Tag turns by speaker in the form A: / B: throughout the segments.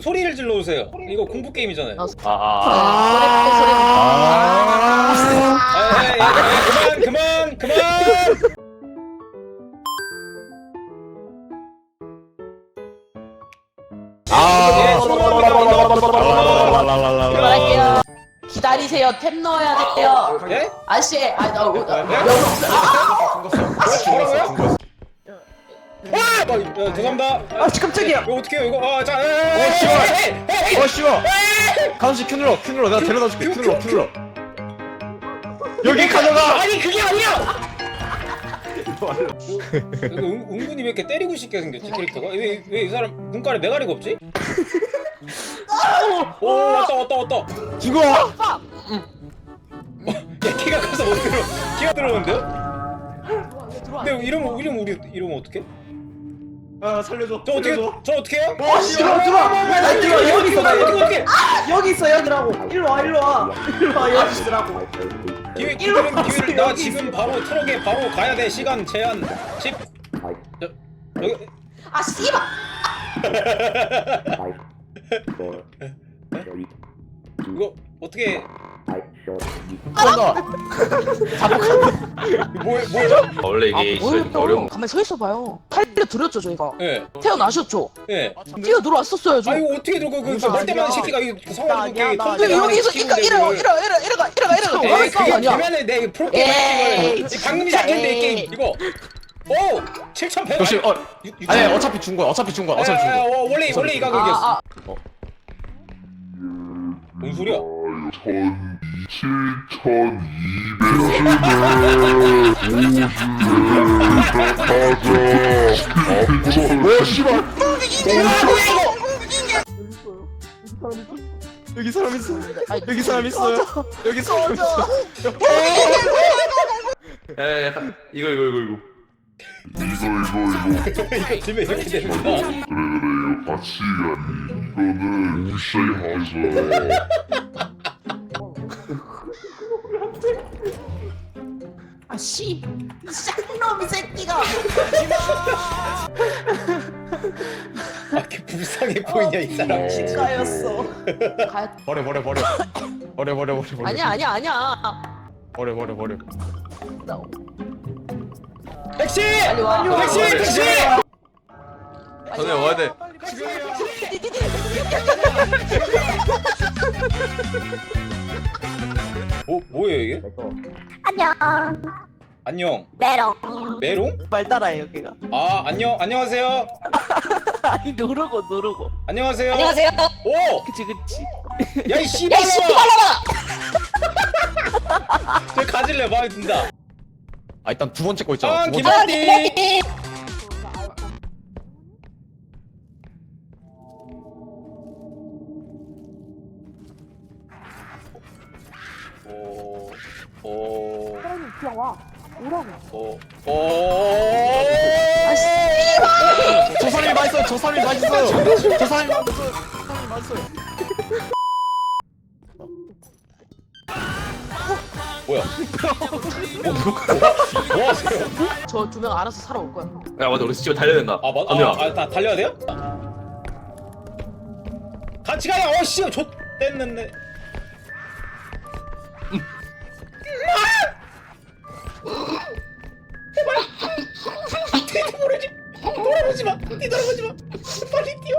A: 소리를 질러주세요. 이거 공포 게임이잖아요. 그만.
B: 들어갈게요. 기다리세요. 템 넣어야 돼요.
A: 예?
B: 아씨,
A: 죄송합니다.
C: 아 깜짝이야.
A: 이거 어떻게 해요 이거?
C: 쉬워. 가운데 큐 눌러. 내가 데려다 줄게. 큐 눌러. 여기 가져가.
A: 아니 그게 아니야. 은근히 왜 이렇게 때리고 싶게 생겼지 캐릭터가? 왜 이 사람 눈깔에 메가리가 없지? 오 왔다.
C: 죽어.
A: 야 키가 커서 못 들어. 키가 들어오는데요? 근데 이러면 어떡해?
C: 아 살려줘.
A: 저 어떻게 해요?
C: 들어와. 여기 있어.
A: 어떻게?
C: 여기 있어 여기라고. 일로 와. 여기 있으라고.
A: 기회는 나 지금 바로 트럭에 바로 가야 돼. 시간 제한 10. 여기
B: 아 씨발.
A: 이거 어떻게
C: 간다.
A: 뭐죠?
D: 원래 이게 어려운
B: 가만히 서 있어봐요. 살려드렸죠 저희가.
A: 예.
B: 태어나셨죠.
A: 예.
B: 뛰어 들어왔었어요 저.
A: 아 이거 어떻게 들고 그 멀때만 새끼가 이 성화를
B: 근데 여기서 이래가.
A: 되면은 내 프로게임 방금 시작했는데 이 게임 이거. 오 7,100.
C: 조심. 아니 어차피 준 거야.
A: 원래 이 가격이었어. 뭔 소리야?
C: 여기 사람 있어요.
D: 이거
A: 이거 들면 이렇게 되는구나.
E: 같이 이거는 무시하자.
B: 아씨, 쌍놈이 새끼가.
A: 이렇게 불쌍해 보이냐 이 사람 진짜.
B: 까였어.
C: 버려.
B: 아니야.
C: 버려.
A: 택시!
B: 빨리 와.
A: 택시!
D: 전에 와야 돼.
A: 뭐예요 이게? 안녕. 메롱?
C: 말 따라해 여기가.
A: 안녕하세요.
C: 아니 누르고.
A: 안녕하세요. 오!
C: 그치.
A: 야 이 씨발놈아! 저 가질래 마음에 든다.
C: 일단 두 번째 거 있잖아.
A: 김한디.
B: 그냥 와. 오라고.
C: 저 사람이 맛있어요.
A: 뭐야? 뭐 하세요?
B: 저 두 명 알아서 살아올 거야.
D: 야 맞아 우리 집에 달려야 된다.
A: 다 달려야 돼요? 같이 가요. 씨, 좆됐는데. 뒤돌아보지 마. 빨리 뛰어.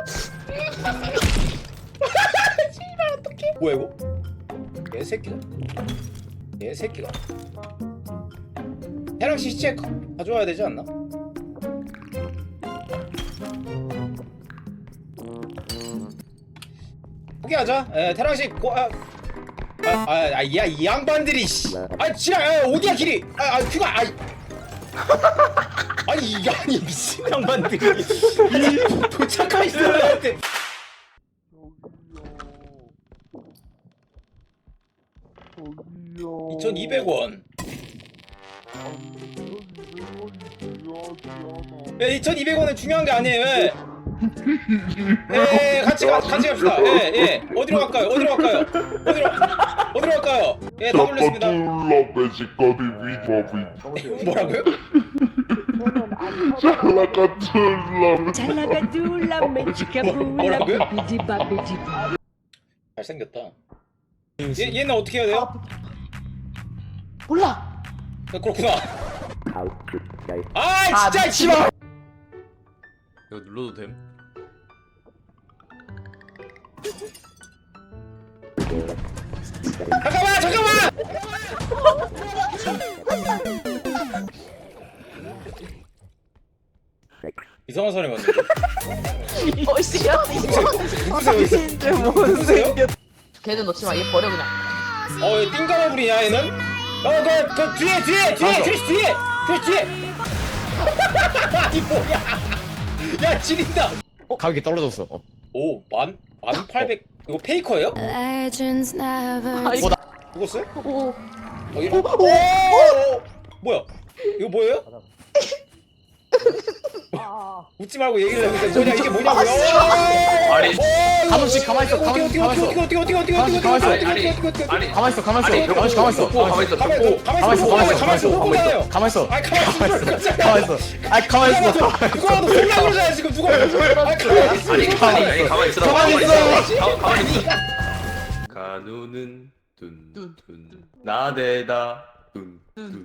A: 씨발 어떡해? 뭐야 이거? 얘새끼가. 해랑씨 시체 가져와야 되지 않나? 포기하자. 태랑씨 이 양반들이 씨. 지랄. 어디야 길이? 그가 아니 미친 양반들이 도착할 사람한테 2,200원. 야 2,200원은 중요한 게 아니에요. 같이 갑시다. 어디로 갈까요? 다 돌렸습니다. 뭐라고요?
E: 잘라가둘라
A: 뭐라고요? 잘생겼다. 얘는 어떻게 해야 돼요?
B: 몰라.
A: 그렇구나. 아 진짜
B: 미치마.
D: 이거 눌러도 됨?
A: 잠깐만. 이상한 사람이 왔는데.
B: 멋이야.
A: 누구세요?
B: 걔는 넣지 마. 얘 버려 그냥.
A: 얘 띵가마불이냐 얘는? 그 뒤에. 이 뭐야? 야 지린다.
C: 가격이 떨어졌어.
A: 오, 1800. 이거 페이커예요?
F: Legends never
A: 죽었어요?
B: 오.
A: 뭐야? 이거 뭐예요? 웃지 말고 얘기를 해보세요. 뭐냐 이게 뭐냐고요?
D: 아니
C: 가만씩 가만히 있어. 가만히 있어. 가만히 있어. 가만히 있어. 가만히 있어. 가만히 있어. 가만히 있어.
D: 가만히 있어.
C: 가만히 있어.
A: 호구잖아요.
C: 가만히 있어.
A: 아이 가만히 있어.
C: 가만히 있어. 아이 가만히 있어.
A: 누가 너 생각을 그러잖아 지금 누가. 아이 가만히 있어.
D: 아니 가만히 있어.
C: 가만히 있어.
D: 가만히 있어. 간우는 둔둔 나대다 둔둔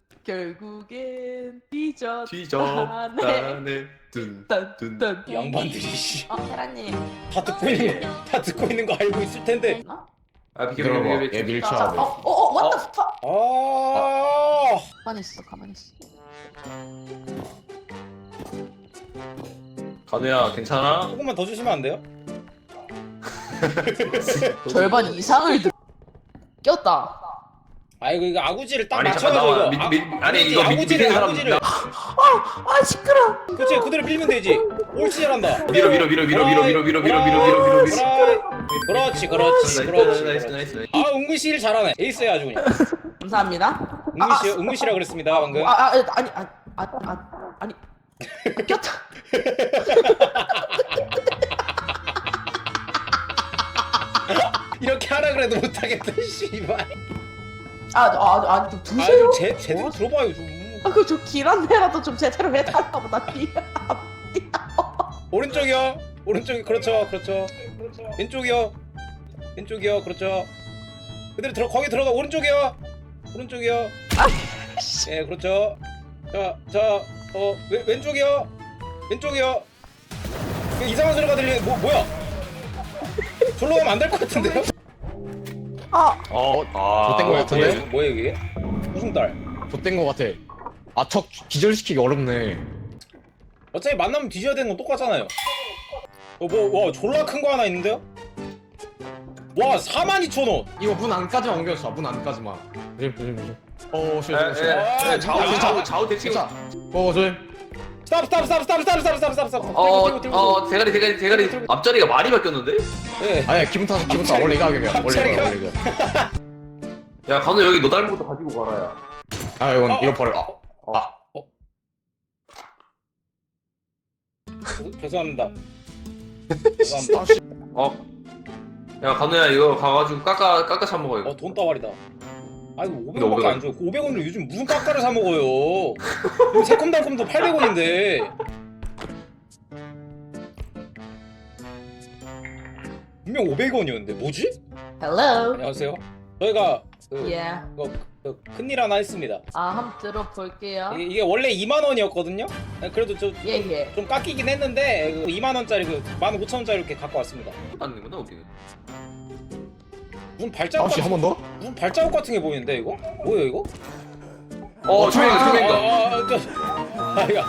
B: 결국엔 뒤졌.
D: 뒤졌다네 둔둔
A: 이 양반들이 씨.
B: 테라님.
A: 다 듣고 있는 거 알고 있을 텐데.
D: 아
C: 들어봐.
D: 비켜
C: 얘 밀쳐야 돼.
B: what the fuck?
A: 아.
B: 가만히 있어.
D: 간우야 괜찮아?
A: 조금만 더 주시면 안 돼요?
B: 절반 이상을 꼈다.
A: 아이고 이거 아구지를 딱
D: 아니 잠깐
A: 맞춰가지고
D: 나와
A: 이거.
D: 아니 이거 밑에 있는 사람
A: 아구지를.
B: 아 시끄러.
A: 그치 그대로 밀면 되지. 옳지 잘한다.
D: 밀어
A: 그렇지.
D: 나이스
A: 아 은근씨 잘하네. 에이스야 아주 그냥.
B: 감사합니다.
A: 은근씨라 그랬습니다 방금.
B: 아니 꼈다.
A: 이렇게 하라 그래도 못하겠다 씨발.
B: 좀 두세요.
A: 제대로 들어봐요 좀.
B: 좀 길한 데라도 좀 제대로 해달라고 나
A: 오른쪽이요. 그렇죠. 왼쪽이요. 그렇죠. 그대로 거기 들어가. 오른쪽이요. 예 그렇죠. 왼쪽이요. 이상한 소리가 들리네. 뭐야? 절로 가면 안 될 것 같은데요?
C: 좆된 거 같은데?
A: 뭐예요 이게? 무슨 딸?
C: 좆된 거 같아. 척 기절시키기 어렵네.
A: 어차피 만나면 뒤져야 되는 건 똑같잖아요. 와 졸라 큰 거 하나 있는데요? 와 42,000원.
C: 이거 문 안까지만 옮겨줘. 문 안까지만. 조심.
D: 좌우 대칭
C: 조심.
A: 스탑.
D: 대가리 앞자리가 많이 바뀌었는데?
A: 예.
C: 아니야 기분 탓. 원래 이 가격이야. 원래 이거.
D: 야 간우 여기 너 닮은 것도 가지고 가라 야
C: 이거 버려.
A: 죄송합니다.
D: 야 간우야 이거 가가지고 깎아 사 먹어 이거
A: 돈 따발이다. 아이고
D: 근데
A: 500원밖에 안 줘요. 500원으로 요즘 무슨 깎아를 사 먹어요? 새콤달콤도 800원인데. 분명 500원이었는데 뭐지?
B: Hello.
A: 안녕하세요. 저희가
B: Yeah.
A: 큰일 하나 했습니다.
B: 한번 들어볼게요.
A: 이게 원래 2만 원이었거든요. 그래도
B: 예.
A: 좀 깎이긴 했는데 2만 원짜리 15,000원짜리 이렇게 갖고 왔습니다.
D: 안되는구나 우리는
A: 무슨 발자국
C: 한 번 더?
A: 무슨 발자국 같은 게 보이는데 이거? 뭐예요 이거?
D: 투명이다
A: 아이가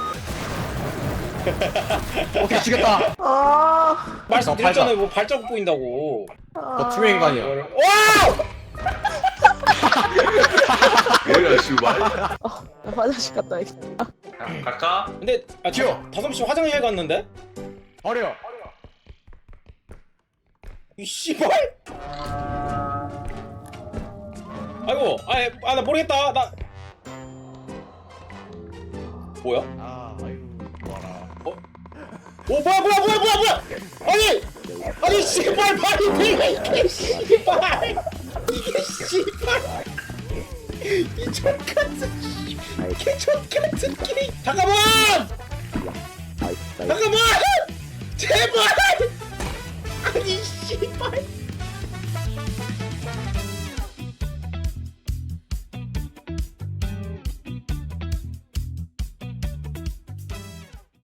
C: 오케이 죽였다.
A: 말씀드렸잖아요. 뭐 발자국 보인다고.
C: 투명 인간이야.
A: 와!
D: 뭐야 씨발
B: 화장실 갔다 와야겠다.
D: 갈까?
A: 근데
C: 튀어.
A: 5시 화장실 갔는데?
C: 버려.
A: 이 씨발! 아이고, 나 모르겠다. 나 뭐야?
C: 아이고 좋아라.
A: 오 뭐야? 아니 씨발 말이 이게 씨발 이게 씨발 이 족같은 개척 같은 끼리. 잠깐만. 잠깐만. 제발. 아니 씨발.